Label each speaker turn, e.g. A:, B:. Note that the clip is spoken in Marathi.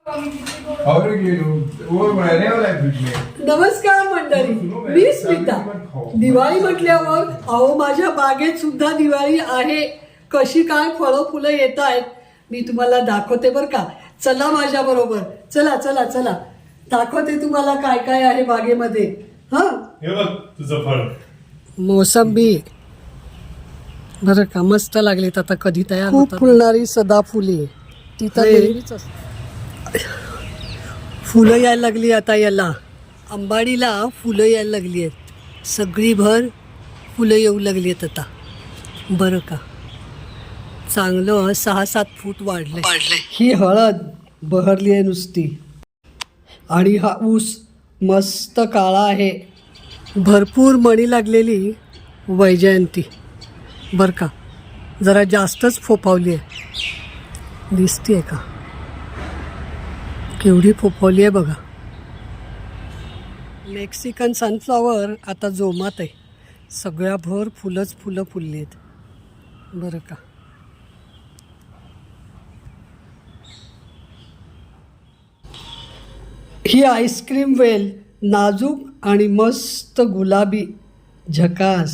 A: नमस्कार मंडळी, मी स्मिता. दिवाळी म्हटल्यावर अहो माझ्या बागेत सुद्धा दिवाळी आहे. कशी काय फळं फुलं येत आहेत मी तुम्हाला दाखवते बरं का. चला माझ्या बरोबर, चला चला चला दाखवते तुम्हाला काय काय आहे बागेमध्ये. हा
B: तुझं फळ
A: मोसंबी बरं का, मस्त लागलीत. आता कधी तयार खूप फुलणारी सदाफुली ती तर नेहमीच असते. फुलं यायला लागली आता. याला अंबाडीला फुलं यायला लागली आहेत. सगळी भर फुलं येऊ लागली आहेत आता. बरं का, चांगलं 6-7 फूट वाढले. ही हळद बहरली आहे नुसती. आणि हा ऊस मस्त काळा आहे. भरपूर मणी लागलेली वैजयंती बरं का, जरा जास्तच फोफावली आहे. दिसती आहे का केवढी फोफावली आहे बघा. मेक्सिकन सनफ्लॉवर आता जोमात आहे. सगळ्या भर फुलंच फुलं फुलली आहेत बरं का. ही आईस्क्रीम वेल नाजूक आणि मस्त गुलाबी झकास.